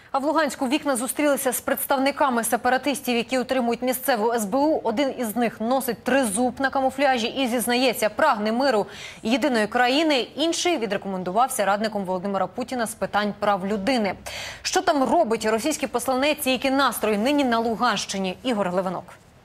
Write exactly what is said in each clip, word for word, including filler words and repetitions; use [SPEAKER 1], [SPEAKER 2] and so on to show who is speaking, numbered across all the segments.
[SPEAKER 1] А в Луганську вікна зустрілися з представниками сепаратистів, які утримують місцеву ес бе у. Один із них носить тризуб на камуфляжі і зізнається, прагне миру і єдиної країни. Інший відрекомендувався радником Володимира Путіна з питань прав людини. Що там робить російський посланець і які настрої нині на Луганщині? Ігор Левинок.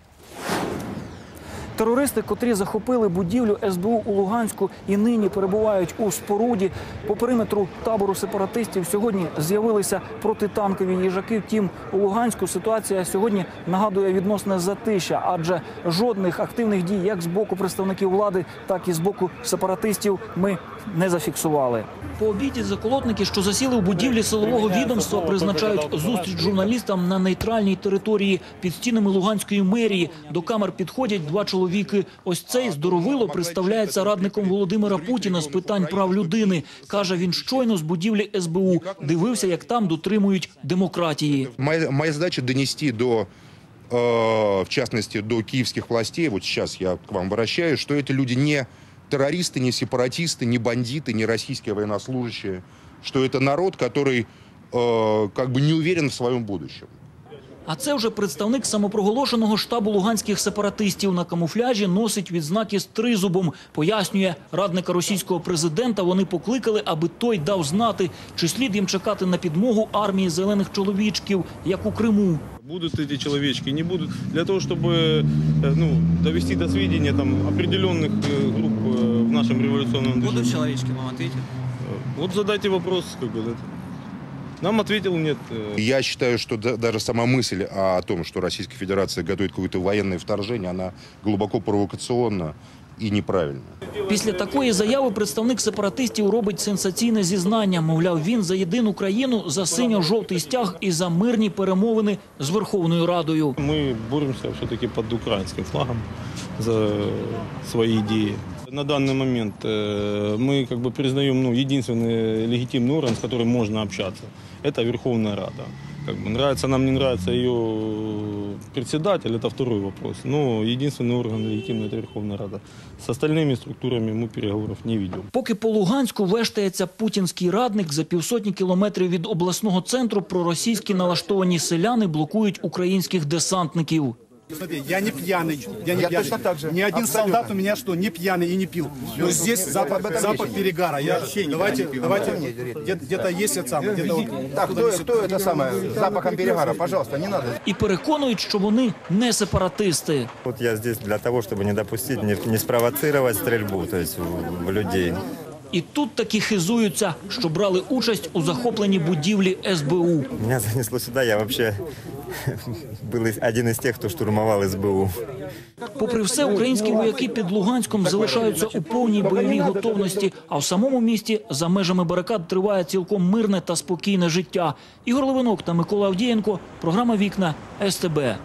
[SPEAKER 2] Терористи, котрі захопили будівлю ес бе у у Луганську і нині перебувають у споруді по периметру табору сепаратистів, сьогодні з'явилися протитанкові їжаки. Втім, у Луганську ситуація сьогодні нагадує відносне затища, адже жодних активних дій як з боку представників влади, так і з боку сепаратистів ми не зафіксували. По обіді заколотники, що засіли у будівлі силового відомства, призначають зустріч журналістам на нейтральній території під стінами Луганської мерії. До камер підходять два чоловіки. Ось цей здоровило представляється радником Володимира Путіна з питань прав людини. Каже, він щойно з будівлі ес бе у дивився, як там дотримують демократії.
[SPEAKER 3] Моя, моя задача донести до, э, в частности, до киевских властей, вот сейчас я к вам обращаюсь, что эти люди не террористы, не сепаратисты, не бандиты, не российские военнослужащие, что это народ, который э, как бы не уверен в своем будущем.
[SPEAKER 2] А це вже представник самопроголошеного штабу луганських сепаратистів. На камуфляжі носить відзнаки з тризубом. Пояснює, радника російського президента вони покликали, аби той дав знати, чи слід їм чекати на підмогу армії зелених чоловічків, як у Криму.
[SPEAKER 4] Будут эти человечки, не будут. Для того, чтобы ну, довести до сведения там, определенных групп в нашем революционном движении.
[SPEAKER 5] Будут человечки, вам ответят?
[SPEAKER 4] Вот задайте вопрос, как бы, нам ответил нет.
[SPEAKER 3] Я считаю, что даже сама мысль о том, что Российская Федерация готовит какое-то военное вторжение, она глубоко провокационна і неправильно.
[SPEAKER 2] Після такої заяви представник сепаратистів робить сенсаційне зізнання. Мовляв, він за єдину країну, за синьо-жовтий стяг і за мирні перемовини з Верховною Радою.
[SPEAKER 4] Ми боремося все-таки під українським флагом за свої ідеї. На данный момент мы как бы признаем ну, единственный легитимный орган, с которым можно общаться. Это Верховная Рада. Как бы, нравится нам, не нравится ее председатель, это второй вопрос. Но единственный орган легитимный – это Верховная Рада. С остальными структурами мы переговоров не ведем.
[SPEAKER 2] Поки по Луганську вештається путінський радник, за півсотні кілометрів від обласного центру проросійські налаштовані селяни блокують українських десантників.
[SPEAKER 6] Смотри, я не пьяный, я не я пьяный. Так же. Ни один абсолютно. Солдат у меня что, не пьяный и не пил. Но здесь запах, запах перегара. Я, давайте, давайте, где-то есть это самое. Где
[SPEAKER 7] так, кто, кто это самое, с запахом перегара, пожалуйста, не надо.
[SPEAKER 2] І переконують, що вони не сепаратисти.
[SPEAKER 8] Вот я здесь для того, чтобы не допустить, не, не спровоцировать стрельбу, то есть в людей.
[SPEAKER 2] І тут таки хизуються, що брали участь у захопленні будівлі ес бе у.
[SPEAKER 8] Меня занесло сюда, я вообще был один из тех, кто штурмовал ес бе у.
[SPEAKER 2] Попри все, українські вояки під Луганськом залишаються у повній бойовій готовності, а в самому місті за межами барикад триває цілком мирне та спокійне життя. Ігор Левинок та Микола Авдієнко. Програма «Вікна» ес те бе.